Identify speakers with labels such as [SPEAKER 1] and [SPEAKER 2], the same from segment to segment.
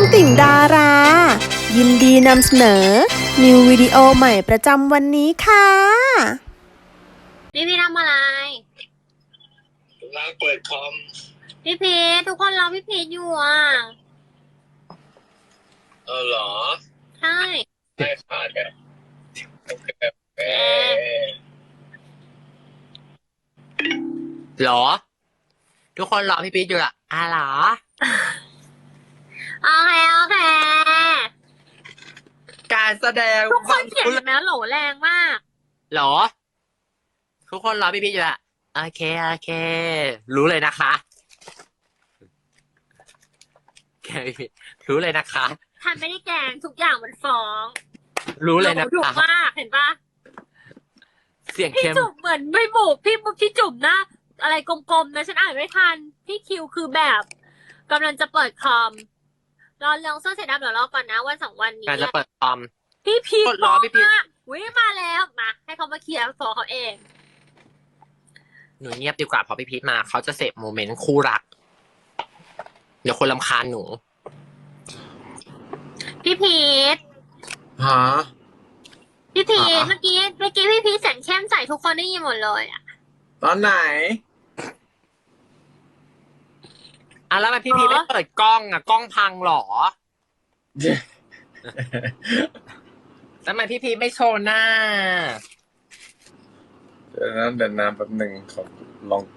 [SPEAKER 1] ติ่งดารา ยินดีนำเสนอ นิววิดีโอใหม่ประจำวันนี้ค่ะ
[SPEAKER 2] พี่ทำอะไร
[SPEAKER 3] กำลังเปิดคอม
[SPEAKER 2] พี่พีททุกคนรอพี่พีทอยู่อ่ะ
[SPEAKER 3] เหรอ
[SPEAKER 2] ใช่
[SPEAKER 3] ไม่ขาดแบบโอเค
[SPEAKER 4] หรอทุกคนรอพี่พีทอยู่ละหรอ
[SPEAKER 2] โอเค
[SPEAKER 4] การแสดง
[SPEAKER 2] ทุกคนเขียนแบบนั้นโหลแรงมาก
[SPEAKER 4] หรอทุกคนรอพี่พีทอยู่ละโอเครู้เลยนะคะแกพี่พีทรู้เลยนะคะ
[SPEAKER 2] ทันไม่ได้แกงทุกอย่างมันฟ้อง
[SPEAKER 4] รู้เลยนะ
[SPEAKER 2] ดุ
[SPEAKER 4] คะ
[SPEAKER 2] มากเห็นปะ
[SPEAKER 4] เสียง
[SPEAKER 2] พี่
[SPEAKER 4] เข้ม
[SPEAKER 2] จุ๋มเหมือนไม่บุกพี่จุ๋มนะอะไรกลมๆนะฉันอ่านไม่ทันพี่คิวคือแบบกำลังจะเปิดคอมรอลองเสื้อเสร็จแล้วเดี๋ยวรอก่อนนะวัน2 วันนี้
[SPEAKER 4] การจะเปิดคอม
[SPEAKER 2] พี่พีท
[SPEAKER 4] รอพี่พีท
[SPEAKER 2] วิ่งมาแล้วมาให้เขามาเคลียร์ฟอเขาเอง
[SPEAKER 4] หนูเงียบดีกว่าพอพี่พีทมาเขาจะเสพโมเมนต์คู่รักเดี๋ยวคนรำคาญหนู
[SPEAKER 2] พี่พีท
[SPEAKER 3] ฮะ
[SPEAKER 2] พี่พีทเมื่อกี้พี่พีทแสงเข้มใส่ทุกคนได้ยินหมดเลยอ่ะ
[SPEAKER 3] ตอนไหน
[SPEAKER 4] แล้วทำไมพี่พีทไม่เปิดกล้องกล้องพังหรอทำไมพี่พีทไม่โชว์หน้า
[SPEAKER 3] เดี๋ยวน้ำแป๊บหนึ่งขอลอง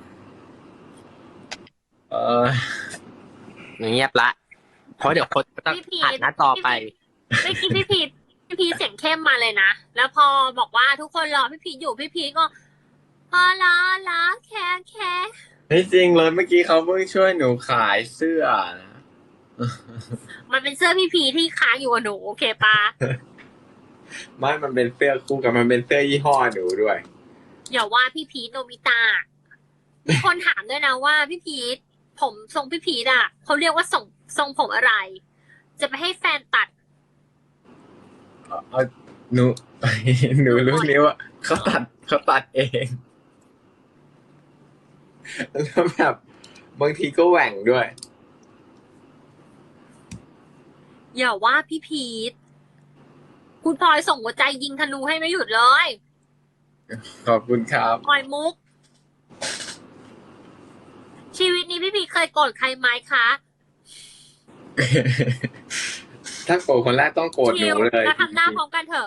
[SPEAKER 4] หนูเงียบละเพราะเดี๋ยวคนจะต้องอัดหน้าต่อไป
[SPEAKER 2] เมื่อกี้พี่พีทเสียงเข้มมาเลยนะแล้วพอบอกว่าทุกคนรอพี่พีทอยู่พี่พีทก็พอรอแค่
[SPEAKER 3] ที่จริงเลยเมื่อกี้เขาเพิ่งช่วยหนูขายเสื้อนะ
[SPEAKER 2] มันเป็นเสื้อพี่พีทที่ค้างอยู่กับหนูโอเคปะ
[SPEAKER 3] ไม่มันเป็นเสื้อคู่กับมันเป็นเสื้อยี่ห้อหนูด้วย
[SPEAKER 2] อย่าว่าพี่พีทโนบิตะมีคนถามด้วยนะว่าพี่พีทผมทรงพี่พีทอ่ะเขาเรียกว่าทรงผมอะไรจะไปให้แฟนตัด
[SPEAKER 3] หนูรู้นี้ว่าเขาตัดเองแล้วแบบบางทีก็แหว่งด้วย
[SPEAKER 2] อย่าว่าพี่พีทคุณพลอยส่งหัวใจยิงธนูให้ไม่หยุดเลย
[SPEAKER 3] ขอบคุณครับ
[SPEAKER 2] พลอยมุกชีวิตนี้พี่พีทเคยโกรธใครไหมคะ
[SPEAKER 3] ถ้าโกรธคนแรกต้องโกรธหนูเลย
[SPEAKER 2] แล้วทำหน้าพร้อมกันเถอะ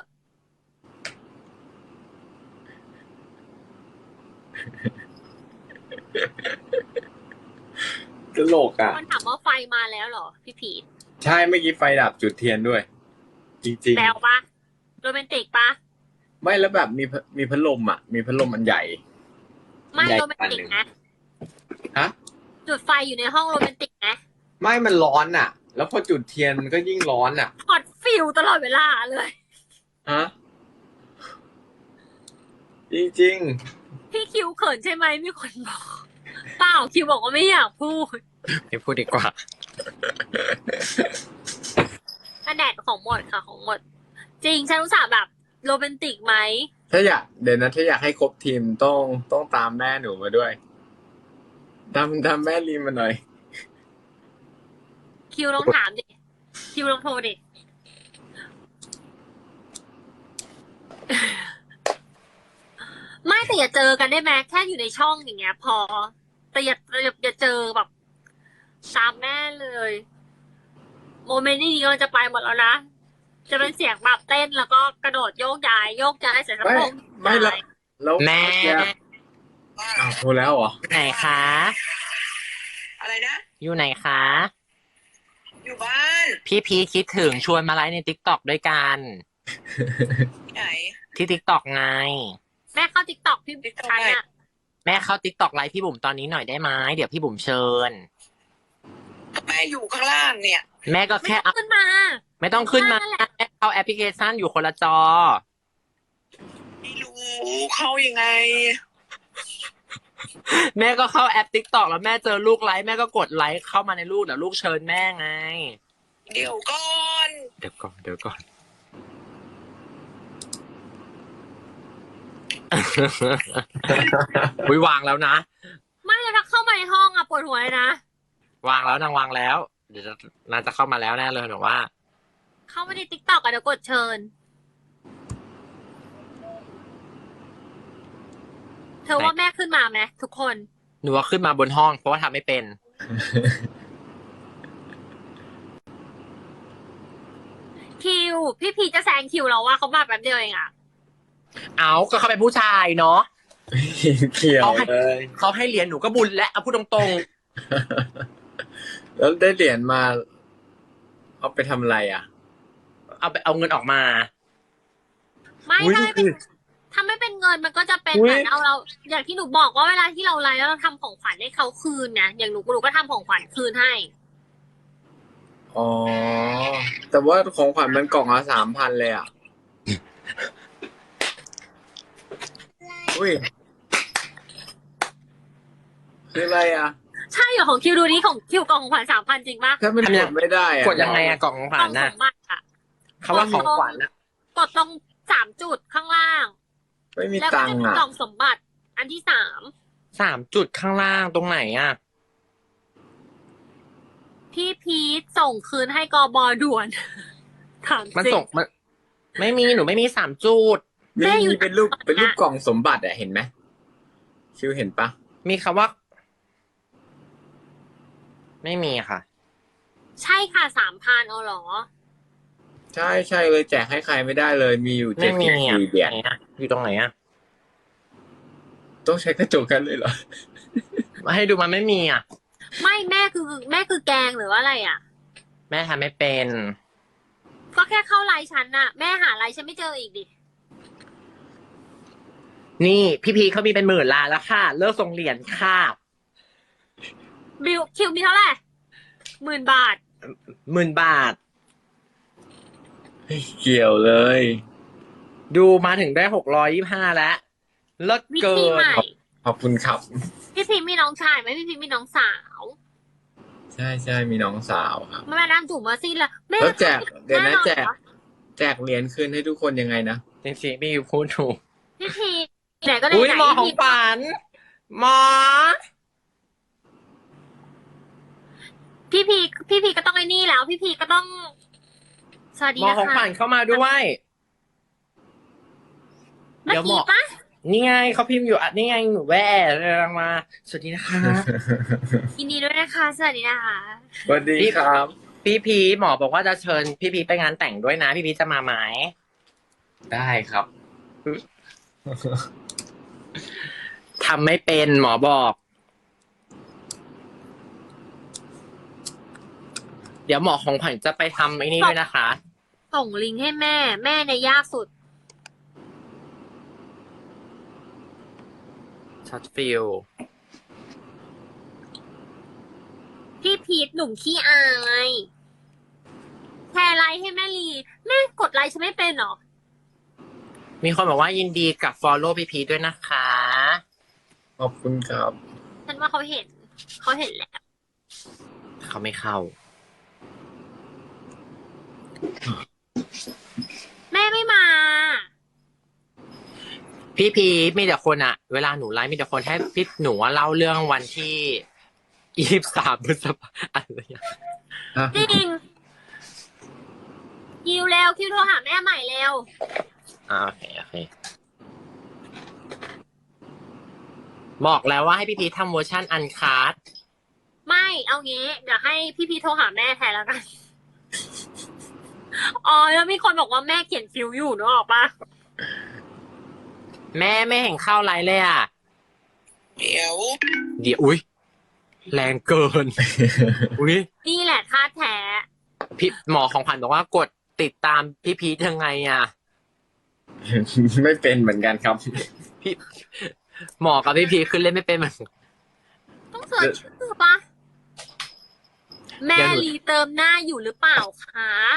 [SPEAKER 3] ตลกอ่ะ
[SPEAKER 2] คนถามว่าไฟมาแล้วเหรอพี่พีท
[SPEAKER 3] ใช่เมื่อกี้ไฟดับจุดเทียนด้วยจริงๆ
[SPEAKER 2] แล้วปะโรแมนติกปะ
[SPEAKER 3] ไม่แล้วแบบมีพัดลมอ่ะมีพัดลมอันใหญ่
[SPEAKER 2] ไม่โรแมนติกนะ
[SPEAKER 3] ฮะ
[SPEAKER 2] จุดไฟอยู่ในห้องโรแมนติกนะ
[SPEAKER 3] ไม่มันร้อนอ่ะแล้วพอจุดเทียนมันก็ยิ่งร้อนอ่ะ
[SPEAKER 2] ฮอตฟิลตลอดเวลาเลย
[SPEAKER 3] ฮะจริง
[SPEAKER 2] ๆพี่คิวเขินใช่ไหมมีคนบอกเปล่าคิวบอกว่าไม่อยากพูด
[SPEAKER 4] ไม่พูดดีกว่า
[SPEAKER 2] แดดของหมดค่ะของหมดจริงฉันรู้สึกแบบโรแมนติกไหม
[SPEAKER 3] ถ้าอยากให้ครบทีมต้องตามแม่หนูมาด้วยตามแม่ลีมาหน่อย
[SPEAKER 2] คิวลองถามดิคิวลองโทรดิไม่แต่อย่าเจอกันได้ไหมแค่อยู่ในช่องอย่างเงี้ยพอแต่อย่าเจอแบบตามแม่เลยโมเมนต์นี้ก็จะไปหมดแล้วนะจะเป็นเสียงแบบเต้นแล้วก็กระโดดโยกย้ายเสร็จแล้ว
[SPEAKER 3] ไม่แล้ว
[SPEAKER 4] แม่
[SPEAKER 3] โทรแล้วเหรอ
[SPEAKER 4] ไหนคะ
[SPEAKER 5] อะไรนะ
[SPEAKER 4] อยู่ไหนคะ
[SPEAKER 5] อยู่บ้าน
[SPEAKER 4] พี่พีคิดถึงชวนมาไลฟ์ใน TikTok ด้วยกัน
[SPEAKER 5] ไหน
[SPEAKER 4] ที่ TikTok ไง
[SPEAKER 2] แม่เข้า TikTok พี่ชันอะ
[SPEAKER 4] แม่เข้า TikTok ไลฟ์พี่บุ๋มตอนนี้หน่อยได้ไหมเดี๋ยวพี่บุ๋มเชิญ
[SPEAKER 5] แม่อยู่ข้างล่างเนี่ย
[SPEAKER 4] แม่ก็แค่
[SPEAKER 2] ขึ้นมา
[SPEAKER 4] ไม่ต้องขึ้นมาแม่เข้าแอปพลิเคชันอยู่คนละจอ
[SPEAKER 5] ไม่รู้เข้ายังไง
[SPEAKER 4] แม่ก็เข้าแอป TikTok แล้วแม่เจอลูกไลฟ์แม่ก็กดไลค์เข้ามาในลูกเดี๋ยวลูกเชิญแม่ไง
[SPEAKER 5] เดี๋ยวก่อน
[SPEAKER 4] วางแล้วนะ
[SPEAKER 2] ไม่แล้วถ้าเข้ามาในห้องอะปวดหัวเลยนะ
[SPEAKER 4] วางแล้วนางวางแล้วเดี๋ยวน่าจะเข้ามาแล้วแน่เลยหนูว่า
[SPEAKER 2] เข้ามาในติ๊กต็อกอะเดี๋ยวกดเชิญ เธอว่าแม่ขึ้นมาไหมทุกคน
[SPEAKER 4] หนูว่าขึ้นมาบนห้องเพราะว่าทำไม่เป็น
[SPEAKER 2] คิว พี่พีจะแซงคิวเราว่าเขามาแป๊บเดียวเองอะ
[SPEAKER 4] เอาก็เขาเป็นผู้ชายเนาะ
[SPEAKER 3] เกี่ยวเลย
[SPEAKER 4] เขาให้เหรียญหนูก็บุญและเอาพูดตรง
[SPEAKER 3] แล้วได้เหรียญมา เอาไปทำอะไรอ่ะ
[SPEAKER 4] ๆ เอาเงินออกมา
[SPEAKER 2] ไม่
[SPEAKER 4] อุ๊ย
[SPEAKER 2] ถ้าไม่เป็นถ้าไม่เป็นเงินมันก็จะเป็น
[SPEAKER 4] อุ๊
[SPEAKER 2] เห
[SPEAKER 4] ย
[SPEAKER 2] มือนเราอย่างที่หนูบอกว่าเวลาที่เราไลฟ์แล้วเราทำของขวัญให้เขาคืนนะอย่างหนูก็ทำของขวัญคืนให้
[SPEAKER 3] อ๋อ แต่ว่าของขวัญมันกล่องละ3,000เลยอ่ะ อุ้ย คืออะไรอ่ะ
[SPEAKER 2] ใช่เหรอของคิวดูนี้ของคิวกล่องของขวัญ3,000จริงปะ
[SPEAKER 3] ถ้ามันกดไม่ได้อ่ะ
[SPEAKER 4] กดยังไงอะกล่องของข
[SPEAKER 2] ก
[SPEAKER 4] วั
[SPEAKER 2] ล่อ
[SPEAKER 4] ญ
[SPEAKER 2] ง
[SPEAKER 4] น่ะ
[SPEAKER 2] สมบัติอะ
[SPEAKER 4] เขาว่าของขวัญน่ะ
[SPEAKER 2] กดตรง3 จุดข้างล่าง
[SPEAKER 3] ไม่มี
[SPEAKER 2] แล้วก็
[SPEAKER 3] ตัง
[SPEAKER 2] จะ
[SPEAKER 3] ค์
[SPEAKER 2] มี
[SPEAKER 3] อ่ะ
[SPEAKER 2] กล่องสมบัติ อันที่3
[SPEAKER 4] 3 จุดข้างล่างตรงไหนอะ
[SPEAKER 2] พี่พีทส่งคืนให้กบด่วน ถาม
[SPEAKER 4] มัน
[SPEAKER 2] จริ
[SPEAKER 4] ส่งมันไม่มีหนูไม่มี3 จุด
[SPEAKER 2] แม่อยู่
[SPEAKER 3] มีเป็นรูปกล่องสมบัติอ่ะเห็นไหมคิวเห็นปะ
[SPEAKER 4] มีคำว่า ไม่มีค่ะ
[SPEAKER 2] ใช่ค่ะ3,000เอาเหรอ
[SPEAKER 3] ใช่ใช่เลยแจกให้ใครไม่ได้เลย มีอยู่
[SPEAKER 4] ไม่มีอะ
[SPEAKER 3] 74เหรียญ
[SPEAKER 4] ไหนอะอยู่ตรงไหนอะ
[SPEAKER 3] ต้องใช้กระจกกันเลยเหรอ
[SPEAKER 4] มาให้ดูมันไม่มีอะ
[SPEAKER 2] ไม่แม่คือแกงหรือว่าอะไรอ่ะ
[SPEAKER 4] แม่ทำไม่เป็น
[SPEAKER 2] ก็แค่เข้าไลน์ฉันน่ะ แม่หาไลน์ฉันไม่เจออีกดิ
[SPEAKER 4] นี่พี่พีเขามีเป็น10,000 ล้านแล้วค่ะ เลิกส่งเหรียญค่ะ
[SPEAKER 2] บิวคิวมีเท่าไหร่10,000 บาท
[SPEAKER 4] 10,000 บาท
[SPEAKER 3] เกี่ยวเลย
[SPEAKER 4] ดูมาถึงได้625แล้วเลิศ
[SPEAKER 2] วิ
[SPEAKER 4] เกิ
[SPEAKER 2] ธี
[SPEAKER 4] น
[SPEAKER 2] ใหม่
[SPEAKER 3] ขอบคุณครับ
[SPEAKER 2] พี่พีมีน้องชายไหมพี่พีมีน้องสาว
[SPEAKER 3] ใช่ใช่มีน้องสาวครับ
[SPEAKER 2] แม่ดามจุ๋มมาสิละแม่
[SPEAKER 3] แล้วแจกเดี๋ยวนะ
[SPEAKER 2] น่นอน
[SPEAKER 3] แจก
[SPEAKER 2] เหรอ
[SPEAKER 3] แจกเหรียญคืนให้ทุกคนยังไงนะ
[SPEAKER 4] จริงๆพี่พูดถูก
[SPEAKER 2] พี่พีไหนก็ไหน
[SPEAKER 4] อุ้ย
[SPEAKER 2] ไหน
[SPEAKER 4] หมอของ
[SPEAKER 2] พี่
[SPEAKER 4] ฝันหมอ
[SPEAKER 2] พี่พีก็ต้องไอ้นี่แล้ว พี่พีก็ต้อง สวัสดี
[SPEAKER 4] หมอ
[SPEAKER 2] นะ
[SPEAKER 4] ของ
[SPEAKER 2] คะ
[SPEAKER 4] ฝันเข้ามาด้วย
[SPEAKER 2] เมื่
[SPEAKER 4] เดี๋
[SPEAKER 2] อ
[SPEAKER 4] ยวหมอ
[SPEAKER 2] กี้ปะ
[SPEAKER 4] นี่ไงเขาพิมพ์อยู่อ่ะนี่ไงหนูแว่รังมา สวัสดีนะคะ
[SPEAKER 2] ยินดีด้วยนะคะ สวัสดีนะคะ
[SPEAKER 3] สวัสดีครับ
[SPEAKER 4] พี่พีหมอบอกว่าจะเชิญพี่พีไปงานแต่งด้วยนะ พี่พีจะมาไหม
[SPEAKER 3] ได้ครับ
[SPEAKER 4] ทำไม่เป็นหมอบอก เดี๋ยวหมอของขวัญจะไปทำไอ้นี่ด้วยนะคะ
[SPEAKER 2] ส่งลิงก์ให้แม่ แม่เนี่ยยากสุด
[SPEAKER 4] ช็อตฟิล
[SPEAKER 2] พี่พีทหนุ่มขี้อายแชร์ไลค์ให้แม่ลีแม่กดไลค์ฉันไม่เป็นเหรอ
[SPEAKER 4] มีคนบอกว่ายินดีกับ follow พี่พีด้วยนะคะ
[SPEAKER 3] ขอบคุณครับ
[SPEAKER 2] ฉันว่าเขาเห็นแล้ว
[SPEAKER 4] เขาไม่เข้า
[SPEAKER 2] แม่ไม่มา
[SPEAKER 4] พี่พีมีแต่คนอะเวลาหนูไลฟ์มีแต่คนให้พี่หนูว่าเล่าเรื่องวันที่23 พฤษภาคมอะไรอย่างเงี้ย
[SPEAKER 2] จริงคิวเร็วคิวโทรหาแม่ใหม่เร็ว
[SPEAKER 4] โอเคบอกแล้วว่าให้พี่พีทำเวอร์ชันอันคาร์ด
[SPEAKER 2] ไม่เอางี้เดี๋ยวให้พี่พีทโทรหาแม่แทนแล้วกัน อ๋อแล้วมีคนบอกว่าแม่เขียนคิวอยู่นึกออกปะ
[SPEAKER 4] แม่ไม่เห็นเข้าไลฟ์เลยอะ
[SPEAKER 5] เดี๋ยว
[SPEAKER 4] เดี๋ยวอุ้ยแรงเกิน อุ้ย
[SPEAKER 2] นี่แหละท่าแท้
[SPEAKER 4] พี่หมอของขวัญบอกว่ากดติดตามพี่พีทยังไงอะ
[SPEAKER 3] ไม่เป็นเหมือนกันครับ
[SPEAKER 4] พี่หมอกับพี่พีทขึ้นเล่นไม่เป็นเหมือน
[SPEAKER 2] ต้องเสิร์ชชื่อปะแม่ลีเติมหน้าอยู่หรือเปล่าคะ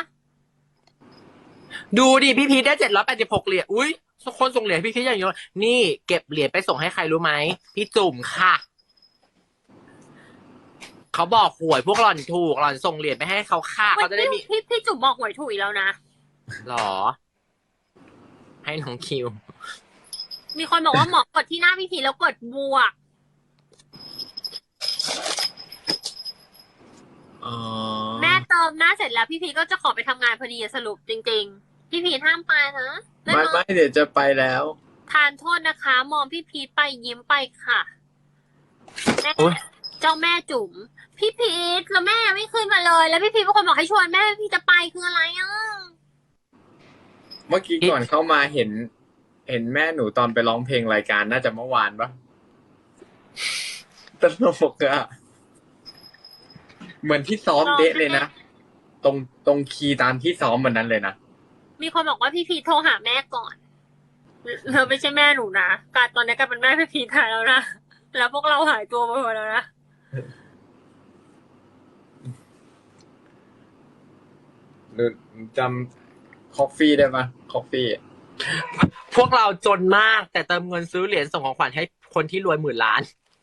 [SPEAKER 4] ดูดิพี่พีทได้786 เหรียญอุ้ยคนส่งเหรียญพี่พีทอย่างเยอะนี่เก็บเหรียญไปส่งให้ใครรู้ไหมพี่จุ่มค่ะเขาบอกหวยพวกหล่อนถูกหล่อนส่งเหรียญไปให้เขาค่ะเขาจะได้มี
[SPEAKER 2] พี่จุ๋มบอกหวยถูกอีกแล้วนะ
[SPEAKER 4] หรอ ให้น้องคิว
[SPEAKER 2] มีคนบอกว่าหมอกดที่หน้าพี่พีแล้วกดบวก
[SPEAKER 3] อ๋อ
[SPEAKER 2] เติมหน้าเสร็จแล้วพี่พีก็จะขอไปทำงานพอดีอะสรุปจริงๆพี่พีห้ามไปนะได้
[SPEAKER 3] ไม่
[SPEAKER 2] ไหม
[SPEAKER 3] ไม่เดี๋ยวจะไปแล้ว
[SPEAKER 2] ทานโทษนะคะ มองพี่พีไปยิ้มไปค่ะแม่
[SPEAKER 4] โอ๊ย
[SPEAKER 2] เจ้าแม่จุ๋มพี่พีแล้วแม่ไม่ขึ้นมาเลย แล้วพี่พีเป็นคนบอกให้ชวนแม่พี่จะไปคืออะไรอ่ะ
[SPEAKER 3] เมื่อกี้ก่อนเข้ามาเห็นแม่หนูตอนไปร้องเพลงรายการน่าจะเมื่อวานปะตลกอะเหมือนที่ซ้อมเดะเลยนะตรงคีย์ตามที่ซ้อมวันนั้นเลยนะ
[SPEAKER 2] มีคนบอกว่าพี่พีโทรหาแม่ก่อนเราไม่ใช่แม่หนูนะการตอนนี้กลายเป็นแม่พี่พีแทนแล้วนะแล้วพวกเราหายตัวไปหมดแล้วนะ
[SPEAKER 3] หนูจำคอฟฟี่ได้ปะคอฟฟี่
[SPEAKER 4] พวกเราจนมากแต่เติมเงินซื้อเหรียญส่งของขวัญให้คนที่รวย10,000,000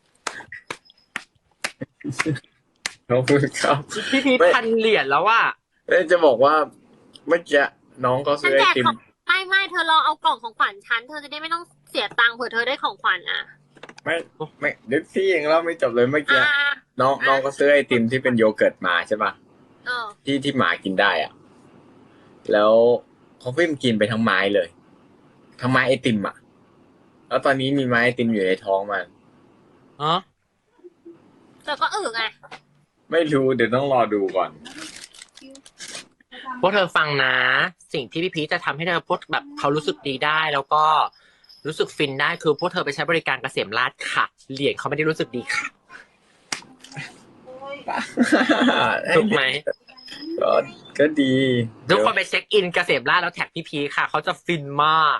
[SPEAKER 3] ขอบคุณครับ
[SPEAKER 4] พี่พีท
[SPEAKER 3] ไม่
[SPEAKER 4] 1,000 เหรียญแล้วว่า
[SPEAKER 3] จะบอกว่าเมื่อกี้น้องเขา
[SPEAKER 2] ฉั
[SPEAKER 3] ซื้
[SPEAKER 2] น
[SPEAKER 3] อไอ
[SPEAKER 2] แจก
[SPEAKER 3] ติม
[SPEAKER 2] ของไม่เธอรอเอากล่องของขวัญฉันเธอจะได้ไม่ต้องเสียตังค์เผื่อเธอได้ของขวัญอ่ะ
[SPEAKER 3] ไม่นึกที่ยังเล่าไม่จบเลยเมื่อกี้
[SPEAKER 2] อ่า
[SPEAKER 3] น้องก็ซื้อไอติมที่เป็นโยเกิร์ตมาใช่ปะ
[SPEAKER 2] เออ
[SPEAKER 3] ที่หมากินได้อ่ะ แล้วคอฟฟี่มันกินไปทั้งไม้เลยทั้งไม้ไอติมอ่ะ แล้วตอนนี้มีไม้ไอติมอยู่ในท้องมัน
[SPEAKER 4] อ๋อ
[SPEAKER 2] แต่ก็ไง
[SPEAKER 3] ไม่รู้เดี๋ยวต้องรอดูก่อน
[SPEAKER 4] พวกเธอฟังนะ สิ่งที่พี่พีทจะทำให้เธอพวกแบบเขารู้สึกดีได้แล้วก็รู้สึกฟินได้คือพวกเธอไปใช้บริการเกษมราษฎร์ค่ะ เหรียญเขาไม่ได้รู้สึกดีค่ะถูกไหม
[SPEAKER 3] ก็ดี
[SPEAKER 4] ทุกคนไปเช็คอินเกษมราษฎร์แล้วแท็กพี่พีทค่ะเขาจะฟินมาก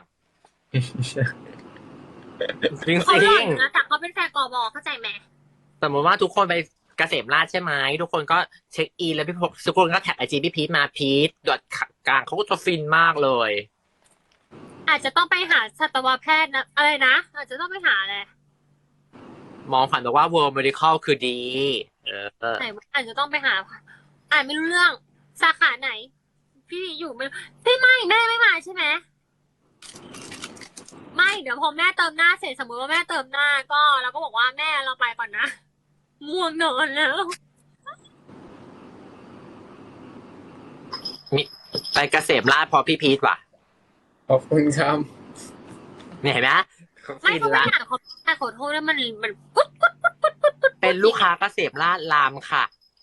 [SPEAKER 4] จริง
[SPEAKER 2] เขาหล่อ
[SPEAKER 4] ๆ
[SPEAKER 2] อยู่นะแต่เขาเป็นแฟนกบเข้าใจไหม
[SPEAKER 4] สมมติว่าทุกคนไปเกษมราษฎร์ใช่ไหมทุกคนก็เช็คอินแล้วทุกคนก็แท็กไอจีพี่พีทมาพีทดอทกลางเขาก็จะฟินมากเลย
[SPEAKER 2] อาจจะต้องไปหาสัตวแพทย์นะอะไรนะอาจจะต้องไปหาอะไร
[SPEAKER 4] มองผ่านบอกว่า World Medical คือดี
[SPEAKER 2] ไหนอาจจะต้องไปหาอ่านไม่รู้เรื่องสาขาไหน พี่อยู่ไม่พี่ไม่แม่ไม่มาใช่ไหมไม่เดี๋ยวพอแม่เติมหน้าเสร็จสมมติว่าแม่เติมหน้าก็เราก็บอกว่าแม่เราไปก่อนนะง่วงนอนแล้ว
[SPEAKER 4] มีไปเกษมราษฎร์พอพี่พีทว่ะ
[SPEAKER 3] ขอบคุณครับ
[SPEAKER 4] เนี่ยเห็นไหมเขา
[SPEAKER 2] ไม่
[SPEAKER 4] ฟิน
[SPEAKER 2] เขาไม่
[SPEAKER 4] ละ
[SPEAKER 2] อ่านขอโทษแล้วมันปุ๊บ
[SPEAKER 4] เป็นลูกค้าเกษมราษฎร์รามค่ะ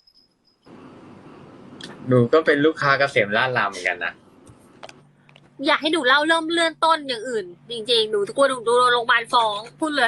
[SPEAKER 3] หนูก็เป็นลูกค้าเกษมราษฎร์รามเหมือนกันนะ
[SPEAKER 2] อยากให้หนูเล่าเริ่มเลื่อนต้นอย่างอื่น จริงๆหนูกลัวหนูโดนโรงพยาบาลฟ้องพูดเลย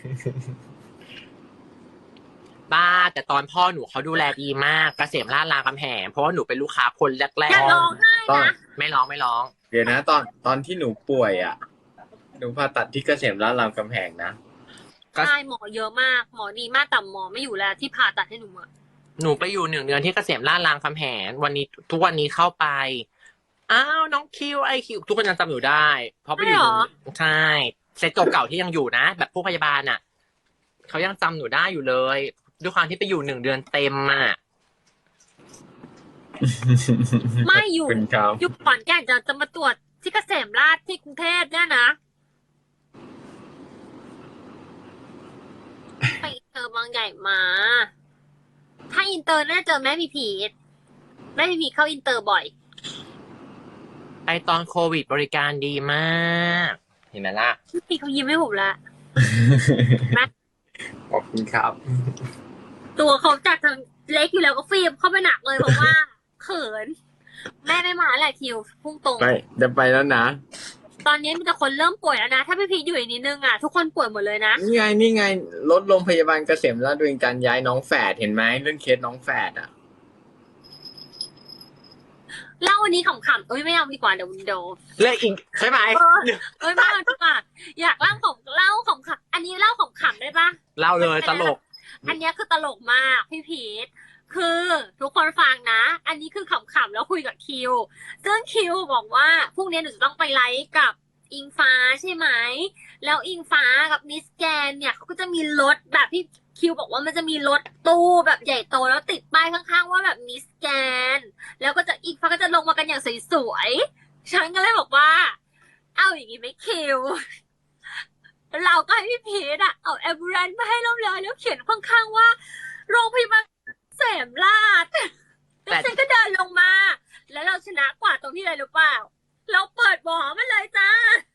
[SPEAKER 4] บ้าแต่ตอนพ่อหนูเขาดูแลดีมากเกษมราษฎร์รามคำแหงเพราะว่าหนูเป็นลูกค้าคนแร
[SPEAKER 2] อย่าก ร้องไห้
[SPEAKER 3] ตอน
[SPEAKER 2] นะ
[SPEAKER 4] ๆไม่ร้อง
[SPEAKER 3] เดี๋ยวนะตอนที่หนูป่วยอ่ะ หนูผ่าตัดที่เกษมราษฎร์รามคำแหงนะ
[SPEAKER 4] ก็
[SPEAKER 2] ใช่หมอเยอะมากหมอดีมากแต่หมอไม่อยู่แล้วที่ผ่าตัดให้หนูอะ
[SPEAKER 4] หนูไปอยู่1 เดือนที่เกษมราษฎร์รามคำแหงทุกวันนี้เข้าไปอ้าวน้องคิวไอคิวทุกคนยังจำหนูได้ เพราะไปอยู่ใช่เซตเก่าๆที่ยังอยู่นะ แบบผู้พยาบาลอ่ะเขายังจำหนูได้อยู่เลยด้วยความที่ไปอยู่1 เดือนเต็มอ่ะ
[SPEAKER 2] ไม่อยู่
[SPEAKER 3] ขอบคุณครับ
[SPEAKER 2] อยู่ขอนแก่นจะมาตรวจที่เกษมราษฎร์ที่กรุงเทพเนี่ยนะไปอินเตอร์บางใหญ่มา ถ้าอินเตอร์น่าจะเจอแม่พีพีทแม่พีพีทเข้าอินเตอร์บ่อย
[SPEAKER 4] ไปตอนโควิดบริการดีมากเห็นไหมล่ะ
[SPEAKER 2] พี่เขายิ้มให้ผมละ
[SPEAKER 3] ขอบคุณครับ
[SPEAKER 2] ตัวเขาจากเล็กอยู่แล้วก็ฟิล์มเข้าไปหนักเลยเพราะว่า เขิน แม่ไม่มาแหละคิวพุ่งตรง
[SPEAKER 3] ไปจะไปแล้วนะ
[SPEAKER 2] ตอนนี้มีแต่คนเริ่มป่วยแล้วนะ ถ้าพี่พีทอยู่อีกนิดนึงอ่ะทุกคนป่วยหมดเลยนะ
[SPEAKER 3] นี่ไงรถโรงพยาบาลเกษมราษฎร์ดวงจันทร์ย้ายน้องแฝดเห็นไหมเรื่องเคสน้องแฝดอ่ะ
[SPEAKER 2] เล่าวันนี้ขำๆเอ้ยไม่เอาดีกว่าเดี๋ยว
[SPEAKER 4] เลิกอิงใช่ไหม
[SPEAKER 2] เอ้ยไม่เอาดีกว่าอยากเล่าขำๆอันนี้เล่าขำๆได้ปะ
[SPEAKER 4] เล่าเลยตลก
[SPEAKER 2] อันเนี้ยคือตลกมากพี่พีทคือทุกคนฟังนะ อันนี้คือขำๆแล้วคุยกับคิวซึ่งคิวบอกว่าพรุ่งนี้หนูจะต้องไปไลฟ์กับอิงฟ้าใช่ไหมแล้วอิงฟ้ากับมิสแกนเนี่ยเขาก็จะมีรถแบบที่คิวบอกว่ามันจะมีรถตู้แบบใหญ่โตแล้วติดป้ายข้างๆว่าแบบมิสแกนแล้วก็จะอิงฟ้าก็จะลงมากันอย่างสวยๆฉันก็เลยบอกว่าเอาอย่างงี้ไหมคิวเราก็ให้พี่พีทอะเอาแอมบูเลนซ์มาให้เราเลยแล้วเขียนข้างๆว่าโรงพยาบาลเกษมราษฎร์แล้วฉันก็เดินลงมา แล้วเราชนะกว่าตรงที่อะไรรู้เปล่า เราเปิดบ่อมันเลยจ้า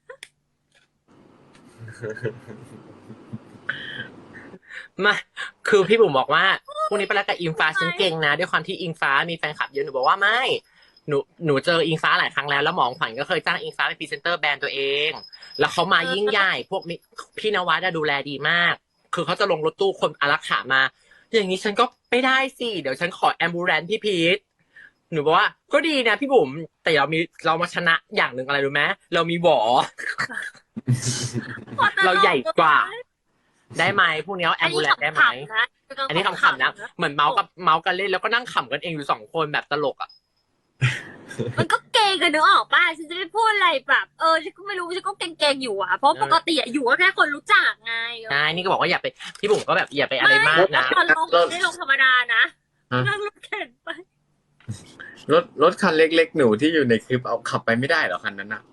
[SPEAKER 4] มาคือพี่บุ๋มบอกว่าพรุ่งนี้ไปแล้วกับอิงฟ้าฉันเก่งนะด้วยความที่อิงฟ้ามีแฟนคลับเยอะหนูบอกว่าไม่หนูเจออิงฟ้าหลายครั้งแล้วหมองขวัญก็เคยจ้างอิงฟ้าเป็นพรีเซนเตอร์แบรนด์ตัวเองแล้วเขามายิ่งใหญ่พวกพี่นวัดดูแลดีมากคือเขาจะลงรถตู้คนอารักขามาอย่างนี้ฉันก็ไม่ได้สิเดี๋ยวฉันขอแอมบูแรนพี่พีทหนูบอกว่าก็ดีนะพี่บุ๋มแต่เรามาชนะอย่างหนึ่งอะไรรู้ไหมเรามีหวอ เราใหญ่กว่าได้ไหมพวกนี้แอมบูแลนได้ไหมอันนี้ขำๆนะเหมือนเมาส์กันเล่นแล้วก็นั่งขำกันเองอยู่2 คนแบบตลกอ่ะ
[SPEAKER 2] มันก็เก่งกันนึกออกป่ะฉันจะไม่พูดอะไรแบบฉันก็ไม่รู้ฉันก็เก่งๆอยู่อ่ะเพราะปกติอยู่ก็แค่คนรู้จักไง
[SPEAKER 4] ใช่นี่ก็บอกว่าอย่าไปพี่บุ๋มก็แบบอย่าไปอะไรมากนะ
[SPEAKER 2] ตอนลงไม่ลงธรรมดานะนั่งรถเข็นไป
[SPEAKER 3] รถคันเล็กๆหนูที่อยู่ในคลิปเอาขับไปไม่ได้เหรอคันนั้นน่ะ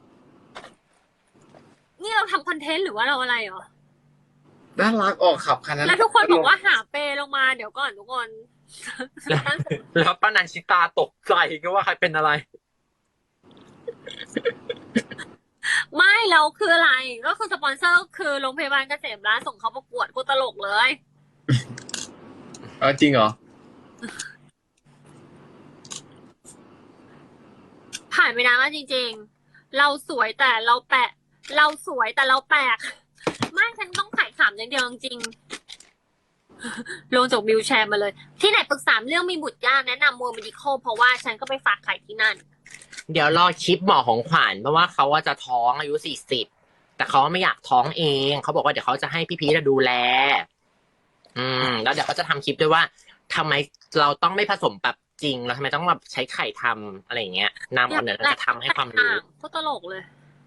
[SPEAKER 2] นี่เราทำคอนเทนต์หรือว่าเราอะไรเหรอ
[SPEAKER 3] น่ารักออกขับคันนั้น
[SPEAKER 2] แล้วทุกคนบอกว่าหาเปลงมาเดี๋ยวก่อนทุกคน
[SPEAKER 4] แล้วป้านันชิตาตกใจก็ว่าใครเป็นอะไร
[SPEAKER 2] ไม่เราคืออะไรก็คือสปอนเซอร์คือโรงพยาบาลเกษมราษฎร์ส่งเขาประกวดกูตลกเลย
[SPEAKER 3] จริงเหรอ
[SPEAKER 2] ผ่านไปนานมากจริงๆเราสวยแต่เราแปลกไม่ฉันต้องขายขำอย่างเดียวจริงลงจากวิวแชร์มาเลยที่ไหนปรึกษาเรื่องมีบุตรยากแนะนำมัวเมดิคอลเพราะว่าฉันก็ไปฝากไข่ที่นั่น
[SPEAKER 4] เดี๋ยวรอคลิปหมอของขวัญเพราะว่าเขาว่าจะท้องอายุ40แต่เขาไม่อยากท้องเองเขาบอกว่าเดี๋ยวเขาจะให้พี่พีทดูแลแล้วเดี๋ยวเขาจะทำคลิปด้วยว่าทำไมเราต้องไม่ผสมแบบจริงเราทำไมต้องแบบใช้ไข่ทำอะไรอย่างเงี้ยนำเอาเนี่ยจะทำให้ความรู้
[SPEAKER 2] ก็ตลกเลย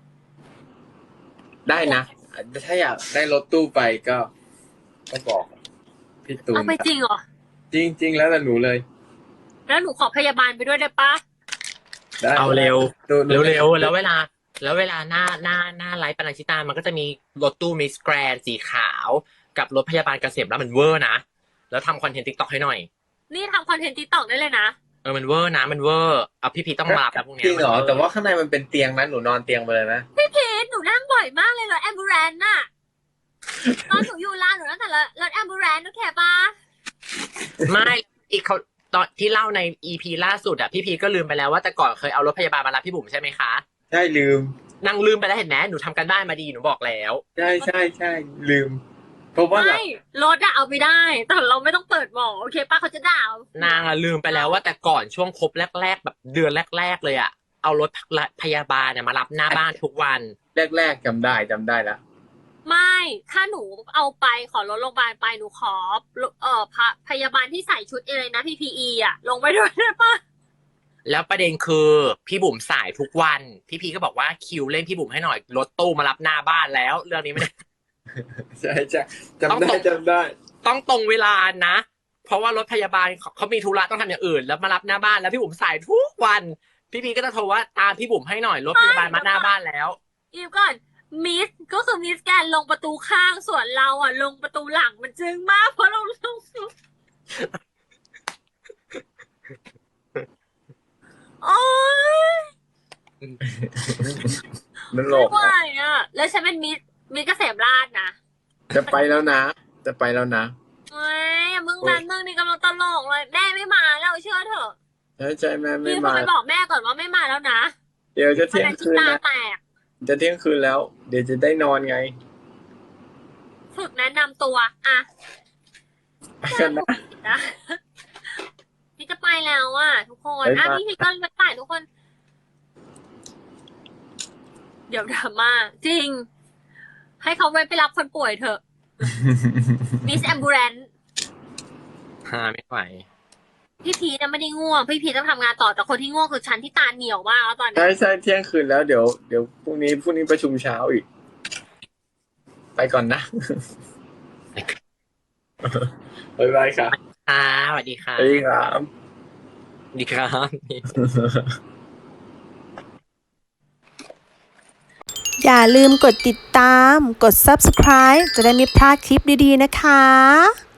[SPEAKER 3] ได้นะถ้าอยากได้รถตู้ไปก็บอกพี่ตูน
[SPEAKER 2] เอาไปจริงเหรอ
[SPEAKER 3] จริงแล้วแต่หนูเลย
[SPEAKER 2] แล้วหนูขอพยาบาลไปด้วยได้ปะ
[SPEAKER 4] เอาเร็วแล้วเวลาหน้าไลฟ์ปนัญชิตามันก็จะมีรถตู้มิสแกรนสีขาวกับรถพยาบาลเกษมแล้วมันเวอร์นะแล้วทำคอนเทนต์ TikTok ให้หน่อย
[SPEAKER 2] นี่ทำคอนเทนต์ TikTok ได้เลยนะ
[SPEAKER 4] มันเวอร์นะมันเวอร์เอาพี่พีต้องมาแบบพวกนี้
[SPEAKER 3] จริงเหรอแต่ว่าข้างในมันเป็นเตียงนะหนูนอนเตียงไปเลยนะ
[SPEAKER 2] พี่พีหนูนั่งบ่อยมากเลยรถแอมบูแรนน่ะตอนหนูอยู่ร้านหนูนั่งแต่รถแอมบูแรนโอเคปะ
[SPEAKER 4] ไม่อีกเขาตอนที่เล่าใน EP ล่าสุดอ่ะพี่พีก็ลืมไปแล้วว่าแต่ก่อนเคยเอารถพยาบาลมารับพี่บุ๋มใช่ไหมคะ
[SPEAKER 3] ใช่ลืม
[SPEAKER 4] นั่งลืมไปแล้วเห็นไหมหนูทำกันบ้านมาดีหนูบอกแล้ว
[SPEAKER 3] ใช่ลืมเพราะว่า
[SPEAKER 2] ไม่รถอะเอาไม่ได้แต่เราไม่ต้องเปิดหมอโอเคป้าเขาจะด่าน
[SPEAKER 4] างลืมไปแล้วว่าแต่ก่อนช่วงคบแรกๆแบบเดือนแรกๆเลยอะเอารถพยาบาลเนี่ยมารับหน้าบ้านทุกวัน
[SPEAKER 3] แรกๆจำได้แล้ว
[SPEAKER 2] ไม่ถ้าหนูเอาไปขอรถโรงพยาบาลไปหนูขอพยาบาลที่ใส่ชุดอะไรนะ PPE อะลงไปด้วยได้ปะ
[SPEAKER 4] แล้วประเด็นคือพี่บุ๋มสายทุกวันพี่พีก็บอกว่าคิวเล่นพี่บุ๋มให้หน่อยรถตู้มารับหน้าบ้านแล้วเรื่องนี้ไม่ได้
[SPEAKER 3] ใช่จำได้
[SPEAKER 4] ต้องตรงเวลานะเพราะว่ารถพยาบาลเขามีธุระต้องทำอย่างอื่นแล้วมารับหน้าบ้านแล้วพี่บุ๋มสายทุกวันพี่พีก็จะโทรว่าตามพี่บุ๋มให้หน่อยรถพยาบาลมาหน้าบ้านแล้ว
[SPEAKER 2] อีกก่อนมิสก็คือมิสแกนลงประตูข้างส่วนเราอ่ะลงประตูหลังมันจึงมากเพราะเราลงโอ๊ย
[SPEAKER 3] มันหลอก
[SPEAKER 2] ไม่ไหวอ่ะแล้วฉันเป็นมิสเกษมราษฎร์นะ
[SPEAKER 3] จะไปแล้วนะ
[SPEAKER 2] เฮ้ยมึงนี่กำลังตลกเลยแม่ไม่มาแล้วเชื่อเถอะ
[SPEAKER 3] ใช่แม่ไม่มา
[SPEAKER 2] ไปบอกแม่ก่อนว่าไม่มาแล้วนะ
[SPEAKER 3] เดี๋ยวจะเที่ยงคืนแล้วจะเที่ยงคืนแล้วเดี๋ยวจะได้นอนไง
[SPEAKER 2] ฝึกแนะนำตัวอ่ะพี่จะไปแล้วอ่ะทุกคนพี่ก็ไปถ่ายทุกคนเดี๋ยวดราม่าจริงให้เขาไปรับคนป่วยเถอะมิสแอมบูแรน
[SPEAKER 4] ไม่ไหว
[SPEAKER 2] พี่พีจะไม่ได้ง่วงพี่พีต้องทำงานต่อแต่คนที่ง่วงคือฉันที่ตาเหนียวมากแล้วตอนนี้
[SPEAKER 3] ใช่เที่ยงคืนแล้วเดี๋ยวพรุ่งนี้ประชุมเช้าอีกไปก่อนนะบ๊ายบายครับ
[SPEAKER 4] สวัสดีค่ะ
[SPEAKER 3] สวัสดีครับ
[SPEAKER 4] ดีครับ
[SPEAKER 1] อย่าลืมกดติดตามกด Subscribe จะได้ไม่พลาดคลิปดีๆนะคะ